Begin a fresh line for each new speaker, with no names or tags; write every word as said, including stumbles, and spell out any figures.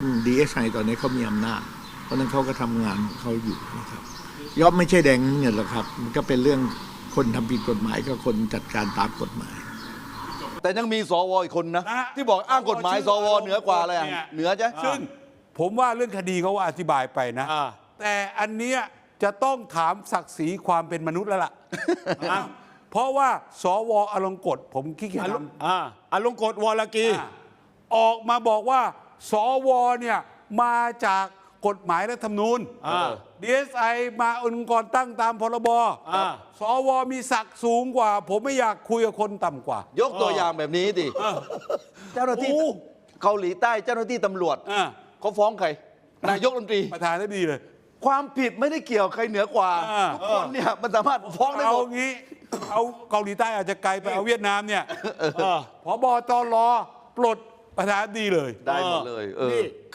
ดีเอสไอตอนนี้เขามีอำนาจเพราะนั้นเขาก็ทำงานของเขาอยู่นะครับย่อมไม่ใช่แดงเงินหรอกครับมันก็เป็นเรื่องคนทำผิดกฎหมายกับคนจัดการตามกฎหมาย
แต่ยังมีสวอีกคนนะที่บอกอ้างกฎหมายสวเหนือกว่าอะไรอ่ะเหนือใช่
ซึ่งผมว่าเรื่องคดีเขาว่าอธิบายไปนะแต่อันเนี้ยจะต้องถามศักดิ์ศรีความเป็นมนุษย์แล้วล่ะ เพราะว่าสวอลงกฎผมขี้เกียจทำ
อ่าอลงกฎวรกี
ออกมาบอกว่าสวเนี่ยมาจากกฎหมายรัฐธรรมนูญ ดี เอส ไอ มาองค์กรตั้งตามพรบสวมีศักดิ์สูงกว่า ผมไม่อยากคุยกับคนต่ำกว่าย
กตัวอย่างแบบนี้ดิเจ้าหน้าที่เกาหลีใต้เจ้าหน้าที่ตำรวจเขาฟ้องใครนายกรัฐมนตรี
ประธานได้ดีเลย
ความผิดไม่ได้เกี่ยวใครเหนือกว่าทุกคนเนี่ยมันสามารถฟ้องได้ห
เอา
มด
งี้เอาเกาหลีใต้อาจจะไกลไปเอาเวียดนามเนี่ยพบตรปลดประธานดีเลย
ได้หมดเลยเออ